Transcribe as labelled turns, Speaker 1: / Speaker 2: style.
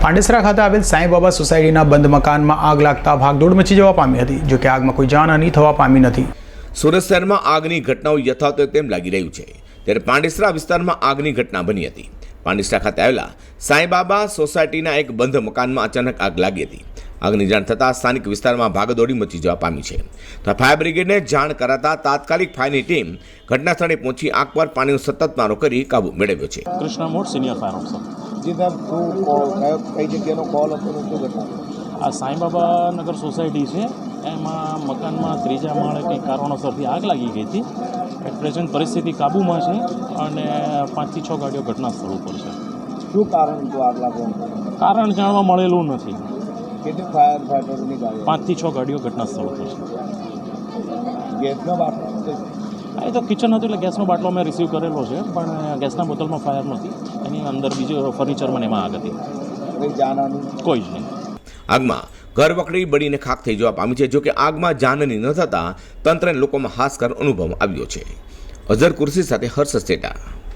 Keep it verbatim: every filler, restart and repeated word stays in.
Speaker 1: પાંડેસરા ખાતે આવેલ સાંઈબાબા સોસાયટીના બંધ મકાનમાં આગ લાગતા ભાગદોડ મચી જવા પામી હતી, જો કે આગમાં કોઈ જાનહાનિ થવા પામી નથી।
Speaker 2: સુરત શહેરમાં આગની ઘટનાઓ યથાવત તેમ લાગી રહ્યું છે, ત્યારે પાંડેસરા વિસ્તારમાં આગની ઘટના બની હતી। પાંડેસરા ખાતે આવેલા સાંઈબાબા સોસાયટીના એક બંધ મકાનમાં અચાનક આગ લાગી હતી। આગની જાણ થતાં સ્થાનિક વિસ્તારમાં ભાગદોડી મચી જવા પામી છે, તો ફાયર બ્રિગેડને જાણ કરાતા તાત્કાલિક ફાયરની ટીમ ઘટના સ્થળે પહોંચી આગ પર પાણીનો સતત મારો કરી કાબુ મેળવ્યો છે।
Speaker 3: Krishna Mod senior fire officer.
Speaker 4: જી સાહેબ, શું કઈ જગ્યાનો કોલ હતો ને શું ઘટના?
Speaker 3: આ સાંઈબાબા નગર સોસાયટી છે, એમાં મકાનમાં ત્રીજા માળે કંઈક કારણોસરથી આગ લાગી ગઈ હતી। એટ પ્રેઝન્ટ પરિસ્થિતિ કાબૂમાં છે અને પાંચથી છ ગાડીઓ ઘટના સ્થળ ઉપર છે।
Speaker 4: શું કારણ હતું આગ લાગવાનું?
Speaker 3: કારણ જાણવા મળેલું નથી।
Speaker 4: કેટલી ફાયર ફાઈટરોની ગાડીઓ?
Speaker 3: પાંચથી છ ગાડીઓ ઘટના સ્થળ ઉપર છે।
Speaker 4: ગેસનો બાટલો?
Speaker 3: હા, એ તો કિચન હતું એટલે ગેસનો બાટલો અમે રિસીવ કરેલો છે, પણ ગેસના બોટલમાં ફાયર નહોતી, એની અંદર બીજું ફર્નિચરમાં એમાં આગ હતી।
Speaker 4: કોઈ જાનહાની?
Speaker 3: કોઈ જ નહીં।
Speaker 2: આગમાં ઘર વકડી બળીને ખાક થઈ જવા પામી છે, જો કે આગમાં જાનહાની ન થતાં તંત્રને લોકોમાં હાશકાર અનુભવ આવ્યો છે। અઝર કુર્સી સાથે હર્ષ સેટા।